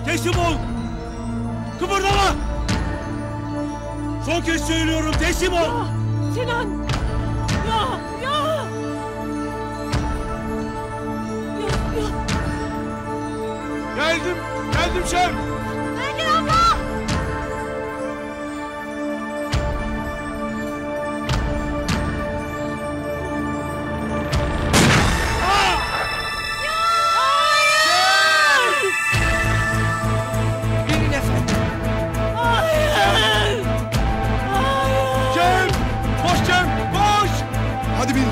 Teslim ol! Kıpırdama! Son kez söylüyorum, teslim ol! Ya Sinan! Ya! Ya! Geldim şef! Belgin abla! Binin efendim. Hayır! Hayır! Cem! Koş Cem! Koş! Hadi bin!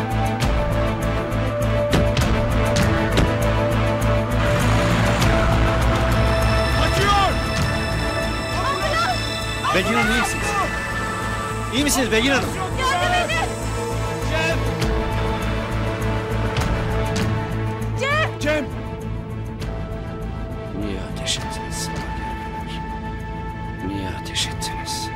Kaçıyor! Belgin Hanım iyi misiniz? İyi misiniz Belgin Hanım? Yardım edin! Cem! Cem! Niye ateş ettiniz? Niye ateş ettiniz?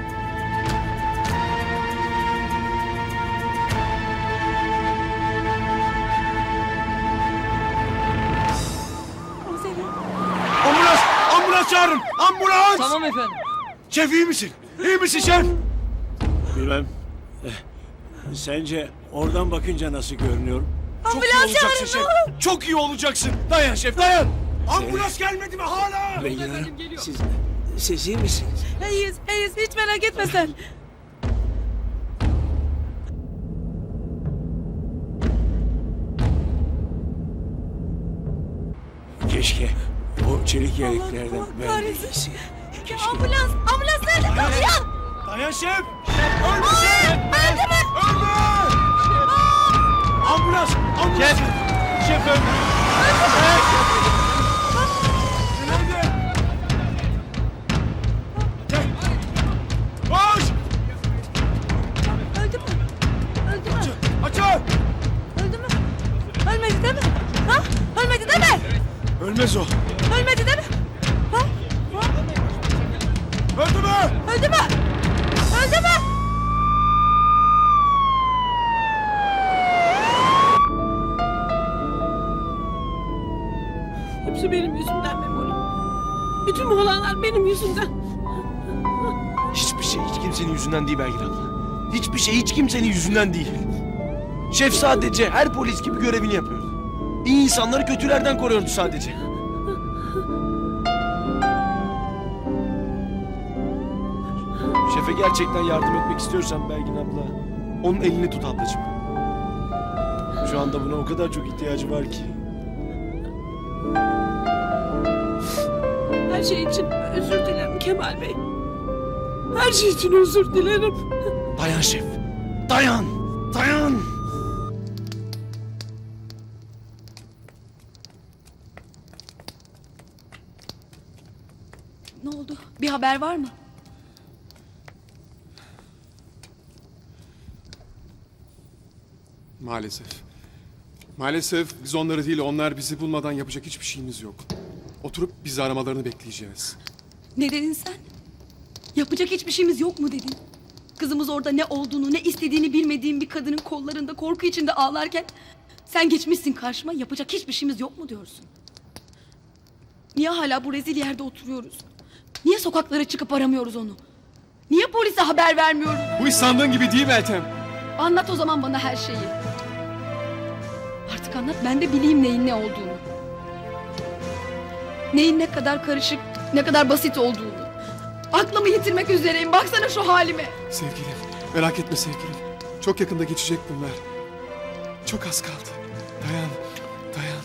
Komiserim. Ambulans! Ambulans çağırın! Ambulans! Tamam efendim. Şef iyi misin? İyi misin şef? Bilmem. Sence oradan bakınca nasıl görünüyorum? Çok iyi Ambulans olacaksın çağırın, şef. Çok iyi olacaksın. Dayan şef, dayan. Ambulans gelmedi mi hala? Belgin Hanım efendim, geliyor. siz iyi misiniz? İyiyiz, hiç merak etme sen. Keşke o çelik yeleklerden Allah ben de kahretsin. giysin. Keşke. Ambulans nerede? Dayan! Dayan şef. Ölme şef. Öldü mü? Ölme. Ambulans. Ambulans. Şef öldü. Nerede? Gel. Koş. Öldü mü? Öldü mü? Açın. Öldü mü? Ölmedi değil mi? Ha? Ölmedi değil mi? Ölmez o. Ölmedi değil mi? Ha? Ha? Öldü mü? Öldü mü? Öldü mü? Hepsi benim yüzümden Memoli. Bütün bu olanlar benim yüzümden. Hiçbir şey hiç kimsenin yüzünden değil Belgin abla. Hiçbir şey hiç kimsenin yüzünden değil. Şef sadece her polis gibi görevini yapıyordu. İyi insanları kötülerden koruyordu sadece. Şefe gerçekten yardım etmek istiyorsan Belgin abla, onun elini tut ablacığım. Şu anda buna o kadar çok ihtiyacı var ki. Her şey için özür dilerim Kemal Bey. Her şey için özür dilerim. Dayan şef, dayan, dayan. Ne oldu? Bir haber var mı? Maalesef. Maalesef biz onları değil, onlar bizi bulmadan yapacak hiçbir şeyimiz yok. Oturup bizi aramalarını bekleyeceğiz. Ne dedin sen? Yapacak hiçbir şeyimiz yok mu dedin? Kızımız orada ne olduğunu, ne istediğini bilmediğim bir kadının kollarında korku içinde ağlarken sen geçmişsin karşıma, yapacak hiçbir şeyimiz yok mu diyorsun? Niye hala bu rezil yerde oturuyoruz? Niye sokaklara çıkıp aramıyoruz onu? Niye polise haber vermiyoruz? Bu iş sandığın gibi değil Meltem. Anlat o zaman bana her şeyi. Artık anlat, ben de bileyim neyin ne olduğunu. Neyin ne kadar karışık, ne kadar basit olduğunu. Aklımı yitirmek üzereyim, baksana şu halime. Sevgilim, merak etme sevgilim. Çok yakında geçecek bunlar. Çok az kaldı. Dayan, dayan.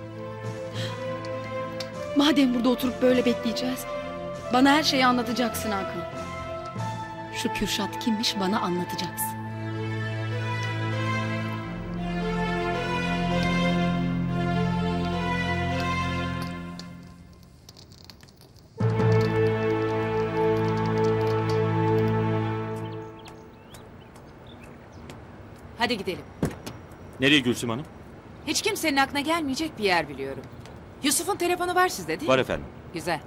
Madem burada oturup böyle bekleyeceğiz, bana her şeyi anlatacaksın Hakan. Şu Kürşat kimmiş bana anlatacaksın. Hadi gidelim. Nereye Gülsüm Hanım? Hiç kimsenin aklına gelmeyecek bir yer biliyorum. Yusuf'un telefonu var sizde değil Var mi? efendim. Güzel.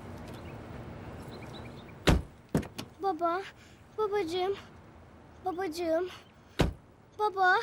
Baba, babacığım, babacığım, baba,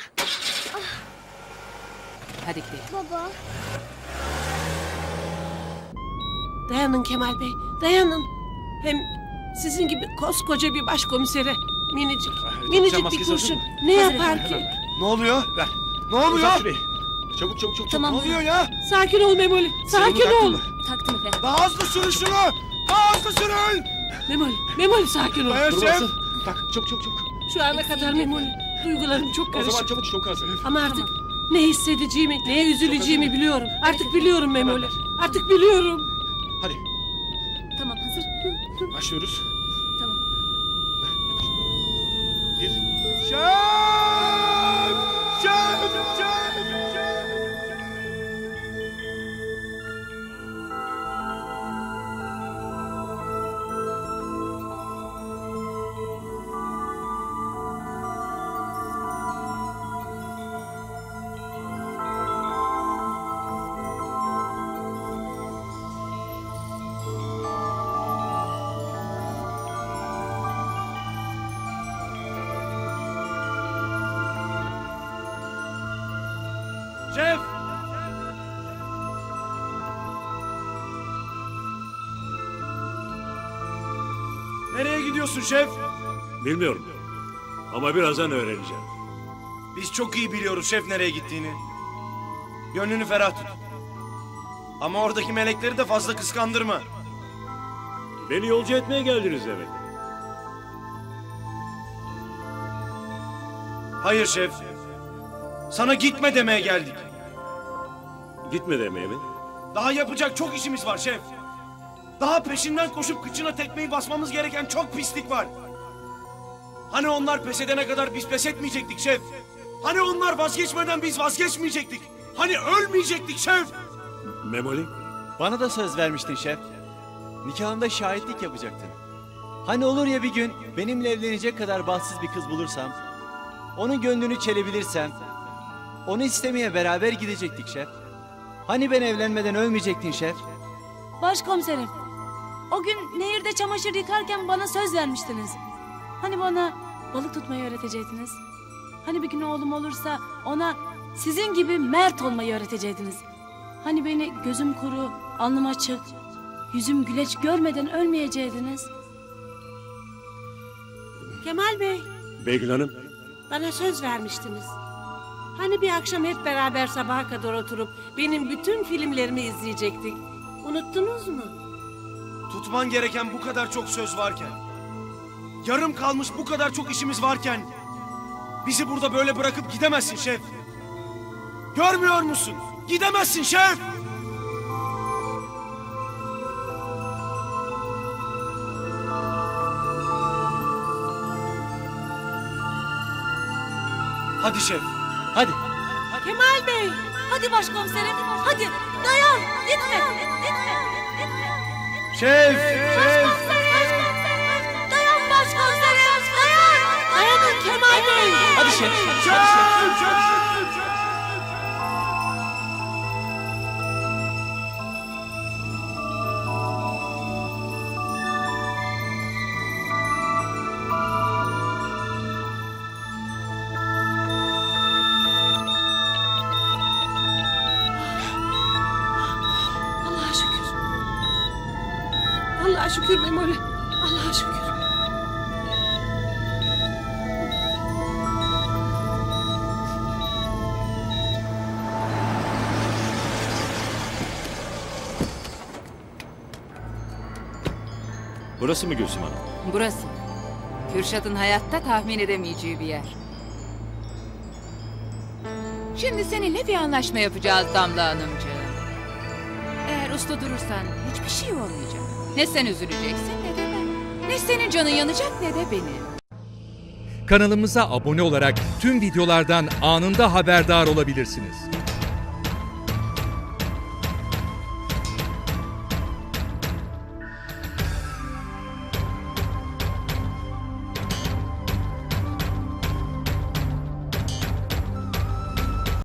Hadi gidelim. baba. Dayanın Kemal Bey, dayanın. Hem sizin gibi koskoca bir başkomisere minicik bir maskesi kurşun hazır ne yapar ki? Ne oluyor? Ver. Ne oluyor? Uzat şurayı. Çabuk çabuk çabuk. Tamam. Ne oluyor ya? Sakin ol Memoli, sakin taktın ol. mı? Taktım efendim. Daha hızlı sürün şunu! Daha hızlı sürün! Memoli sakin ol. Dayan Dur şef! basın. Tak çabuk çabuk çabuk. Şu ana kadar Memoli, duygularım çok O zaman karışık. çabuk çok hazır. Ama artık ne hissedeceğimi, neye üzüleceğimi biliyorum. Artık biliyorum Memoli, artık biliyorum. Hadi Tamam hazır. başlıyoruz. Tamam. Bir. Şef! Şef! Şef! Şef! Nereye gidiyorsun şef? Bilmiyorum. Ama birazdan öğreneceğim. Biz çok iyi biliyoruz şef nereye gittiğini. Gönlünü ferah tut. Ama oradaki melekleri de fazla kıskandırma. Beni yolcu etmeye geldiniz demek. Hayır şef. Sana gitme demeye geldik. Gitme demeye mi? Daha yapacak çok işimiz var şef. Daha peşinden koşup kıçına tekmeyi basmamız gereken çok pislik var. Hani onlar pes edene kadar biz pes etmeyecektik şef. Hani onlar vazgeçmeden biz vazgeçmeyecektik. Hani ölmeyecektik şef. Memoli? Bana da söz vermiştin şef. Nikahımda şahitlik yapacaktın. Hani olur ya bir gün benimle evlenecek kadar bahtsız bir kız bulursam, onun gönlünü çelebilirsem, onu istemeye beraber gidecektik şef. Hani ben evlenmeden ölmeyecektin şef? Başkomiserim, o gün nehirde çamaşır yıkarken bana söz vermiştiniz. Hani bana balık tutmayı öğretecektiniz. Hani bir gün oğlum olursa ona sizin gibi mert olmayı öğretecektiniz. Hani beni gözüm kuru, alnım açık, yüzüm güleç görmeden ölmeyecektiniz. Kemal Bey, Beygül Hanım? bana söz vermiştiniz. Hani bir akşam hep beraber sabaha kadar oturup benim bütün filmlerimi izleyecektik. Unuttunuz mu? Tutman gereken bu kadar çok söz varken, yarım kalmış bu kadar çok işimiz varken, bizi burada böyle bırakıp gidemezsin şef. Görmüyor musun? Gidemezsin şef. Hadi şef. Hadi. Kemal Bey! Hadi başkomiserim, hadi dayan, gitme, gitme. Şef. Şef. Dayan başkomiserim, dayan. Dayanın Kemal Bey! Hadi şef. Allah'a şükür. Allah'a şükür Memoli. Allah'a şükür. Burası mı Gülsüm Hanım? Burası. Kürşat'ın hayatta tahmin edemeyeceği bir yer. Şimdi seninle bir anlaşma yapacağız Damla Hanımcığım. Eğer usta durursan hiçbir şey olmayacak. Ne sen üzüleceksin ne de ben. Ne senin canın yanacak ne de benim. Kanalımıza abone olarak tüm videolardan anında haberdar olabilirsiniz.